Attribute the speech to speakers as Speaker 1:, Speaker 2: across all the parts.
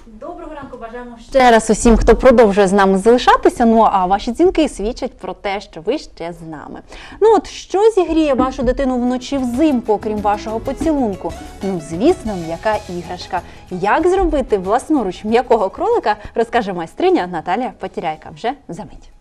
Speaker 1: Доброго ранку, бажаємо ще раз усім, хто продовжує з нами залишатися. Ну а ваші дзвінки свідчать про те, що ви ще з нами. Ну от, що зігріє вашу дитину вночі взимку, окрім вашого поцілунку? Ну, звісно, м'яка іграшка. Як зробити власноруч м'якого кролика, розкаже майстриня Наталія Потіряйка вже за мить.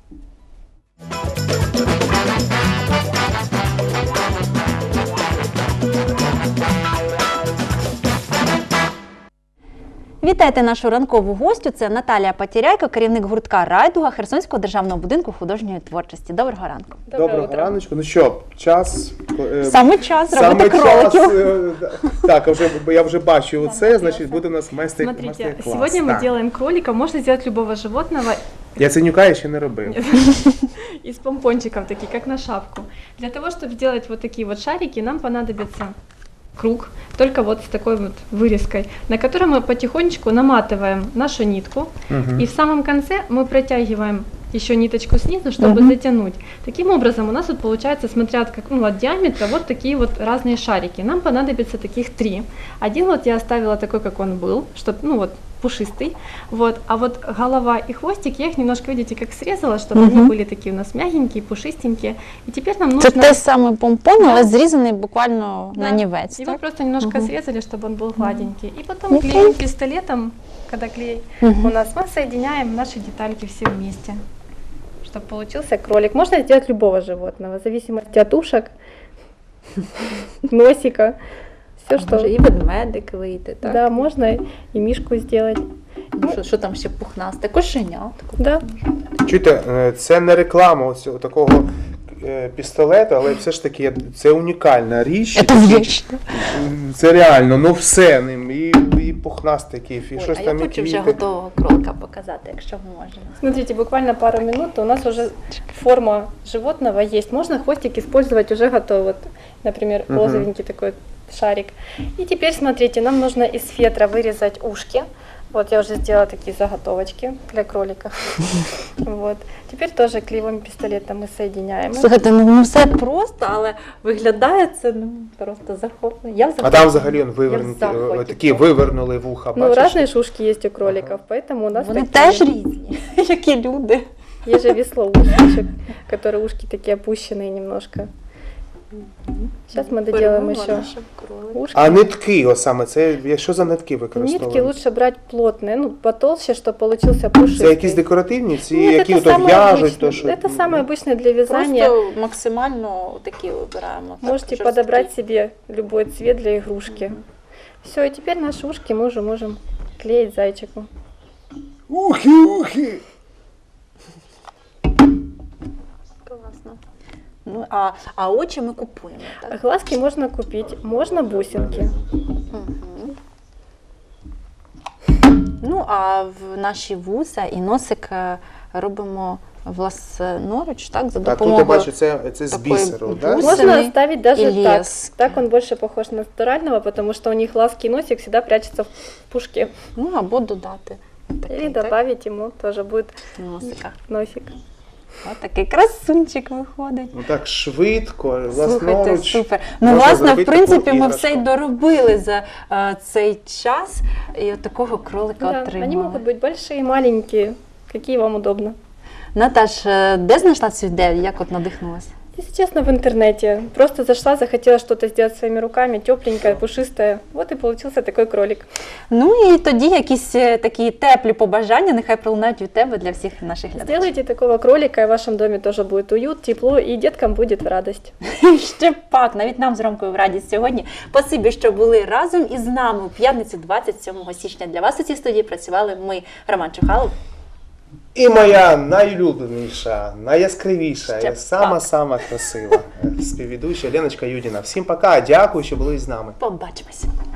Speaker 1: Вітайте нашу ранкову гостю. Це Наталія Потіряйка, керівник гуртка «Райдуга» Херсонського державного будинку художньої творчості. Доброго ранку.
Speaker 2: Доброго раночку. Ну що, час...
Speaker 1: Саме час робити кроликів.
Speaker 2: Так, я вже бачу це, значить буде у нас майстер-клас.
Speaker 3: Смотрите, сегодня мы делаем кролика, можно сделать любого животного.
Speaker 2: Яценюка я ще не робив.
Speaker 3: Из помпончиков, такие, как на шапку. Для того, чтобы сделать вот такие вот шарики, нам понадобится круг, только вот с такой вот вырезкой, на котором мы потихонечку наматываем нашу нитку, и в самом конце мы протягиваем еще ниточку снизу, чтобы затянуть. Таким образом у нас вот получается, смотря от диаметра, вот такие вот разные шарики. Нам понадобится таких 3. Один вот я оставила такой, как он был, чтобы, пушистый, вот, а вот голова и хвостик, я их немножко, видите, как срезала, чтобы они были такие у нас мягенькие, пушистенькие, и теперь нам нужно...
Speaker 1: Це те саме помпон, але зрізаний буквально на нівець.
Speaker 3: Его просто немножко срезали, чтобы он был гладенький, и потом клеим пистолетом, когда клей у нас, мы соединяем наши детальки все вместе, чтобы получился кролик. Можно сделать любого животного, в зависимости от ушек, носика. Все, что...
Speaker 1: Може і ведмедик вийти, так?
Speaker 3: Да, можно и мишку сделать.
Speaker 1: Що там ще пухнасте? Кошеня.
Speaker 3: Да.
Speaker 2: Чуєте, це не реклама ось такого пістолету, але все ж таки це унікальна річ.
Speaker 1: Це вічно.
Speaker 2: Це реально, ну все ним, і пухнастики, і щось
Speaker 1: А
Speaker 2: там,
Speaker 1: я
Speaker 2: і
Speaker 1: хочу вже
Speaker 2: квіти.
Speaker 1: готового кролика показати, якщо можна.
Speaker 3: Смотрите, буквально пару минут, у нас уже форма животного есть. Можно хвостик использовать уже готовый. Вот, например, розовенький такой шарик. И теперь, смотрите, нам нужно из фетра вырезать ушки. Вот я уже сделала такие заготовочки для кролика. Вот. Теперь тоже клеевым пистолетом мы соединяем.
Speaker 1: Слухайте, ну все просто, але виглядає це просто захоплено.
Speaker 2: А там взагалі такі вивернули вуха,
Speaker 3: Ну,
Speaker 2: бачиш?
Speaker 3: разные шушки есть у кроликов, поэтому у нас
Speaker 1: Вони
Speaker 3: такие.
Speaker 1: теж різні, як і люди.
Speaker 3: Есть же веслоушечек, которые ушки такие опущенные немножко. Сейчас мы доделаем еще ушки.
Speaker 2: А нитки, ось саме, це що за нитки використовують?
Speaker 3: Нитки лучше брать плотные, потолще, чтобы получился пушистый.
Speaker 2: Це якісь декоративні, ці,
Speaker 3: Нет,
Speaker 2: які
Speaker 3: это
Speaker 2: то
Speaker 3: самое
Speaker 2: в'яжуть,
Speaker 3: обычное.
Speaker 2: то що?
Speaker 3: Это самое обычное для вязания.
Speaker 1: Просто максимально такі вибираємо.
Speaker 3: Можете подобрать себе любой цвет для игрушки. Все, и теперь наши ушки мы уже можем клеить зайчику.
Speaker 2: Ухи!
Speaker 1: Класно. Ну, а очі ми купуємо, так?
Speaker 3: Глазки можно купить, можно бусинки.
Speaker 1: Ну, а в наші вуса і носик робимо власноруч, так, за
Speaker 2: Так, тут
Speaker 1: допомогою.
Speaker 2: я бачу, це з
Speaker 1: такої
Speaker 2: бісеру, так?
Speaker 1: бусини.
Speaker 3: Можно оставить даже
Speaker 1: и
Speaker 3: так.
Speaker 1: лески.
Speaker 3: Так он больше похож на натурального, потому что у них глазки и носик всегда прячутся в пушке.
Speaker 1: Ну, або додати. Такий,
Speaker 3: Или
Speaker 1: так,
Speaker 3: добавить ему тоже будет
Speaker 1: носика.
Speaker 3: носик.
Speaker 1: Ось такий красунчик виходить.
Speaker 2: Ну так швидко,
Speaker 1: Слухайте,
Speaker 2: власноруч.
Speaker 1: супер. Ну,
Speaker 2: можна
Speaker 1: власне, в
Speaker 2: зробити
Speaker 1: принципі,
Speaker 2: таку
Speaker 1: ми все й
Speaker 2: іграшку.
Speaker 1: доробили за цей час і от такого кролика
Speaker 3: Да,
Speaker 1: отримали.
Speaker 3: они могут быть большие и маленькие, какие вам удобно.
Speaker 1: Наташ, де знайшла цю ідею, як от надихнулася?
Speaker 3: Если честно, в интернете. Просто зашла, захотела что-то сделать своими руками, тепленькое, пушистое. Вот и получился такой кролик.
Speaker 1: Ну і тоді якісь такі теплі побажання, нехай пролунають від тебе для всіх наших глядачів.
Speaker 3: Сделайте такого кролика, и в вашем доме тоже будет уют, тепло, и деткам будет в радость.
Speaker 1: Ще пак, навіть нам з Ромкою в радість сьогодні. Спасибі, що були разом із нами у п'ятницю 27 січня. Для вас у цій студії працювали ми, Роман Чухалов.
Speaker 2: І моя найулюбленіша, найяскравіша,
Speaker 1: Ще
Speaker 2: і сама красива співведуча Леночка Юдіна. Всім пока, дякую, що були з нами.
Speaker 1: Побачимось.